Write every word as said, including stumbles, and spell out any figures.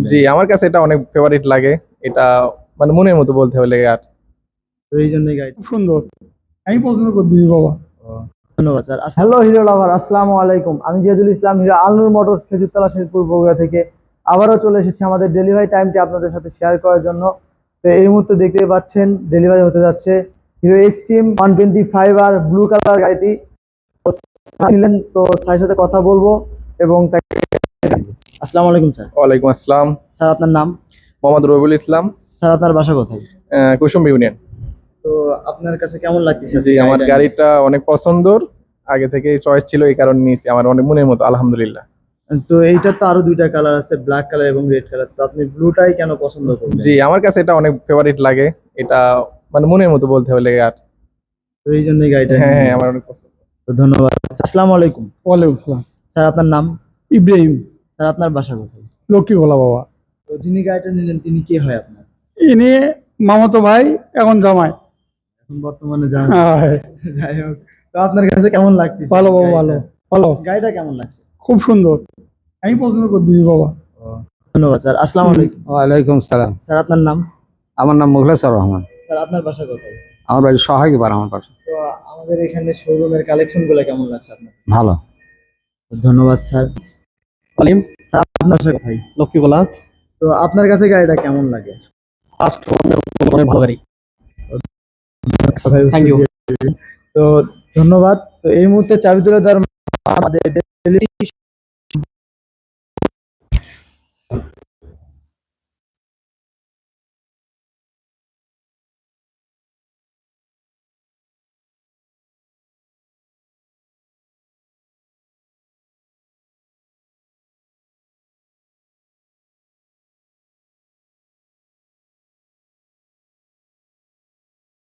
জি আমার কাছে এটা অনেক ফেভারিট লাগে। এটা মানে মনের মতো বলতে হলে আর তো এই জন্যই গাড়ি খুব সুন্দর। আমি পছন্দ করে দিই বাবা। ধন্যবাদ স্যার। হ্যালো হিরো লাভার, আসসালামু আলাইকুম। আমি জিয়াদুল ইসলাম, হিরো আলনুর মোটরস, খেজুরতলা, শেরপুর, বগুড়া থেকে আবারও চলে এসেছি আমাদের ডেলিভারি টাইমটি আপনাদের সাথে শেয়ার করার জন্য। তো এই মুহূর্তে দেখতে পাচ্ছেন ডেলিভারি হতে যাচ্ছে Hero Xtreme one twenty five আর ব্লু কালার গাড়িটি। তো স্যার নিলেন, তো স্যারের সাথে কথা বলবো এবং তাকে। আসসালামু আলাইকুম স্যার। ওয়ালাইকুম আসসালাম। স্যার আপনার নাম? মোহাম্মদ রবিউল ইসলাম, স্যার আপনার বাসা কোথায়? আহ, কুসুম ইউনিয়ন। তো আপনার কাছে কেমন লাগতেছে? জি আমার গাড়িটা অনেক পছন্দর, আগে থেকে চয়েস ছিল, এই কারণে নিয়েছি। আমার অনেক মনের মতো, আলহামদুলিল্লাহ। তো এইটার তো আরো দুইটা কালার আছে, ব্ল্যাক কালার এবং রেড কালার। তো আপনি ব্লুটাই কেন পছন্দ করলেন? জি আমার কাছে এটা অনেক ফেভারিট লাগে। এটা মানে মনের মতো বলতে হলে আর তো এই জন্যই গাড়িটা হ্যাঁ নিলেন। হ্যাঁ আমার অনেক পছন্দ। তো ধন্যবাদ। আসসালামু আলাইকুম। ওয়ালাইকুম সালাম। স্যার আপনার নাম? ইব্রাহিম। স্যার আপনার বাসা কোথায়? লক্ষ্মী গোলা বাবা। তো যিনি গাড়িটা নিলেন তিনি কে হয় আপনার? ইনি মামাতো ভাই, এখন জামাই। এখন বর্তমানে যান। হ্যাঁ, যাই হোক, তো আপনার কাছে কেমন লাগতেছে ভালো বাবা, গাড়িটা? ভালো ভালো, গাড়িটা কেমন লাগছে? খুব সুন্দর। আমি পছন্দ করে দিই বাবা। ধন্যবাদ স্যার। আসসালামু আলাইকুম। ওয়ালাইকুম সালাম। স্যার আপনার নাম? আমার নাম মুখলেসুর রহমান। স্যার আপনার বাসা কোথায়? আমার বাড়ি সহায়ক বার আমার পাশে। তো আমাদের এখানে শোরুমের কালেকশন গুলো কেমন লাগছে আপনার? ভালো। ধন্যবাদ স্যার। স্যার আপনার বাসা কোথায়? লক্ষ্মীগোলা। তো আপনার কাছে গাড়িটা কেমন লাগে? ফার্স্ট অনেক ভালো গাড়ি। Thank you. তো ধন্যবাদ। তো এই মুহূর্তে চাবি তুলে দেওয়ার আমাদের